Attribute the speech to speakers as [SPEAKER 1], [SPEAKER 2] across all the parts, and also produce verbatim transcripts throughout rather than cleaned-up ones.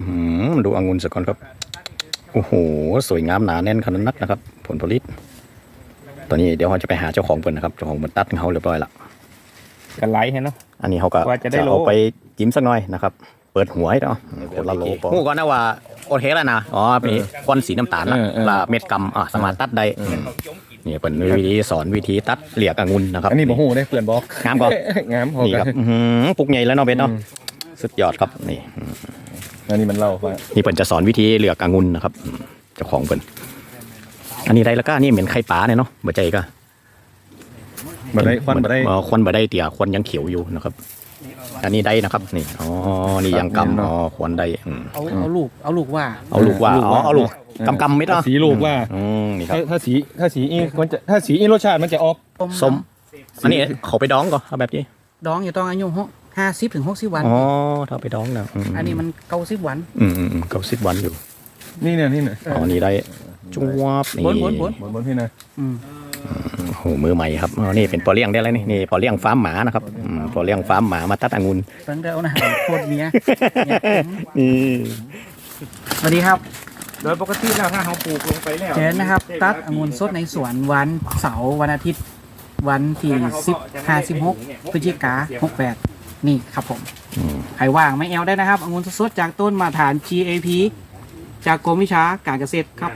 [SPEAKER 1] ดูองุ่นสักก่อนครับโอ้โหสวยงามหนาแน่นขนาดนักนะครับผลผลิตตอนนี้เดี๋ยวเราจะไปหาเจ้าของเปิ่นนะครับเจ้าของเปิ่นตัดเขาเรียบร้อยละ
[SPEAKER 2] กันไลท์เนาะ
[SPEAKER 1] อันนี้เขาก็จะเอาไปจิ้มสักหน่อยนะครับเปิดหัวให้เนาะคนละโลปอหูก่อนนะว่าโอเคแล้วนะอ๋อมีก้อนสีน้ำตาลละเม็ดกำอ่ะสามารถตัดได้นี่เป็นวิธีสอนวิธีตัดเหลียกองุ่นนะครับ
[SPEAKER 2] อันนี้บ่ฮู้ได้เพื่อนบอก
[SPEAKER 1] งามก่อน
[SPEAKER 2] งาม
[SPEAKER 1] นี่ครับปุกใหญ่แล้วเนาะเบสเนาะสุดยอดครับนี่
[SPEAKER 2] อันนี้มันเล่าว่า
[SPEAKER 1] นี่เปิ่นจะสอนวิธีเหลือกองุ่นนะครับเจ้าของเปิ่นอันนี้ได้แล้วก็นี่เหม็นไข่ปลาเนี่ยเนาะบ่ใจก็
[SPEAKER 2] บ่ได้ควันบ่ได้
[SPEAKER 1] ควันบ่ได้เตี่ยควันยังเขียวอยู่นะครับอันนี้ได้นะครับนี่อ๋อนี่ยังกำอ๋อควันได้
[SPEAKER 3] เอาเอาลูกเอาลูกว่า
[SPEAKER 1] เอาลูกว่าอ๋อเอาลูกกำกำไม่ต้อง
[SPEAKER 2] สีลูกว่า
[SPEAKER 1] อืมนี่ครับ
[SPEAKER 2] ถ้าสีถ้าสีอีมันจะถ้าสีอีรสชาติมันจะออก
[SPEAKER 1] ส้มอันนี้เขาไปดองก่อนเอาแบบนี้
[SPEAKER 3] ดองอยู่ต้องอายุห้าสิบถึงหกสิบวัน
[SPEAKER 1] อ๋อถ้าไปดองนะ
[SPEAKER 3] อันนี้มันเก้าสิบวัน
[SPEAKER 1] อืมอืมเก้าสิบวันอยู่
[SPEAKER 2] นี่เนี่ยนี่เนี่ย
[SPEAKER 1] อ๋อนี่ได้จวบนี่
[SPEAKER 3] บนบนบน
[SPEAKER 2] บนพี่นะ
[SPEAKER 3] อืม
[SPEAKER 1] โอ้โหมือใหม่ครับอ๋อนี่เป็นปอเลี้ยงได้แล้วนี่นี่ปอเลี้ยงฟาร์มหมานะครับปอเลี้ยงฟาร์มหมามาตัดองุ่น
[SPEAKER 3] ตั้งแต่เอานะโคตรเนี้ย
[SPEAKER 1] นี่
[SPEAKER 3] สวัสดีครับ
[SPEAKER 2] โดยปกติแล้วถ้าเราปลูกลงไปแล้ว
[SPEAKER 3] เชิญนะครับตัดองุ่นสดในสวนวันเสาร์วันอาทิตย์วันที่สิบห้าสิบหกพฤศจิกาหกแปดนี่ครับผมใครว่างไม่แอลได้นะครับองุ่นสดจากต้นมาตรฐาน จี เอ พี จากกรมวิชาการเกษตรครับ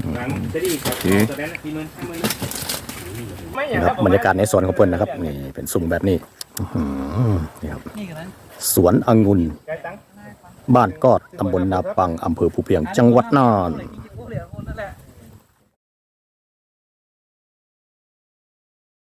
[SPEAKER 1] บรรยากาศในสวนของเพิ่นนะครับนี่เป็นสุ่มแบบนี้นี่ครับสวนองุ่นบ้านกอดตำบลนาปังอำเภอภูเพียงจังหวัดน่าน